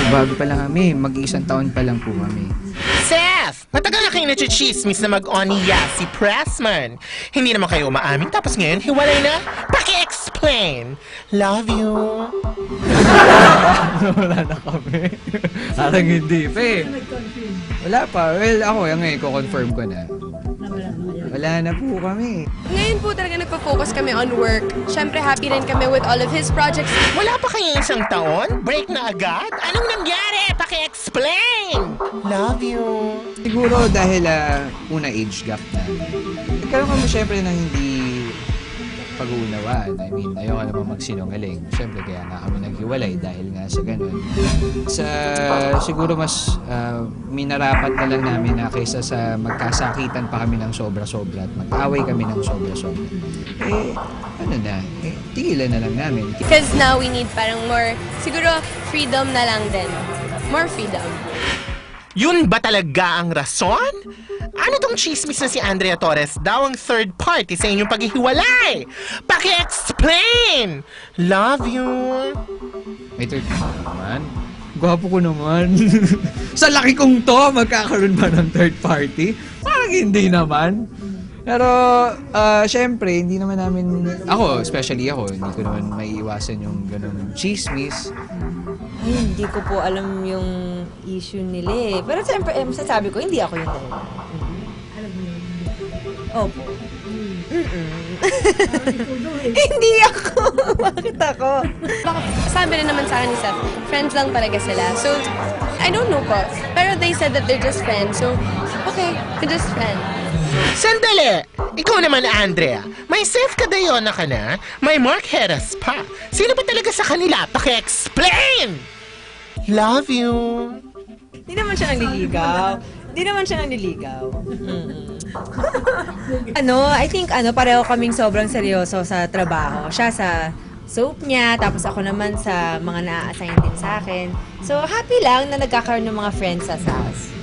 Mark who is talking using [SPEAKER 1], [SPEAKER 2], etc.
[SPEAKER 1] Bago pa lang kami, mag-iisang taon pa lang po kami.
[SPEAKER 2] Seth! Matagal na kayo nachichismis na mag-oniya si Pressman. Hindi naman kayo umaamin, tapos ngayon hiwalay na? Paki-explain! Love you!
[SPEAKER 1] Wala na kami. Parang hindi pa eh. Wala pa. Well, ako ngayon, i-confirm ko na. Wala na po kami.
[SPEAKER 3] Ngayon po talaga nagpo-focus kami on work. Siyempre, happy rin kami with all of his projects.
[SPEAKER 2] Wala pa kayo isang taon? Break na agad? Anong nangyari? Paki-explain! Love you!
[SPEAKER 1] Siguro dahil una age gap na. Nagkaroon kami syempre ng hindi pag-uunawaan. I mean, ayoko naman magsinungaling. Syempre kaya nga kami naghiwalay dahil nga sa ganun. Siguro mas minarapat na lang namin na kaysa sa magkasakitan pa kami ng sobra-sobra at mag-away kami ng sobra-sobra. Tigilan na lang namin.
[SPEAKER 3] Because now we need parang more, siguro freedom na lang din. More freedom.
[SPEAKER 2] Yun ba talaga ang rason? Ano tong chismis na si Andrea Torres daw ang third party sa inyong paghihiwalay? Paki-explain! Love you!
[SPEAKER 1] May third party naman. Gwapo ko naman. Sa laki kong to, magkakaroon ba ng third party? Parang hindi naman. Pero, syempre, hindi naman namin, ako, especially ako, hindi ko naman maiiwasan yung ganung chismis.
[SPEAKER 4] Ay, hindi ko po alam yung issue nila eh. Pero siyempre, masasabi ko, hindi ako yung dalawa. Alam mo yun? Opo. Hindi ako. Bakit ako?
[SPEAKER 3] Sabi rin naman sa akin ni Seth, friends lang talaga sila. So, I don't know po. Pero they said that they're just friends. So, okay, they're just friends.
[SPEAKER 2] Sandali! Ikaw naman, Andrea. May Seth Cadayona ka na, may Mark Heras pa. Sino ba talaga sa kanila? Paki-explain! Love you!
[SPEAKER 4] Hindi naman siya nanliligaw. Hindi naman siya nanliligaw. I think pareho kaming sobrang seryoso sa trabaho. Siya sa soap niya, tapos ako naman sa mga na-assign din sa akin. So, happy lang na nagkakaroon ng mga friends sa SAS.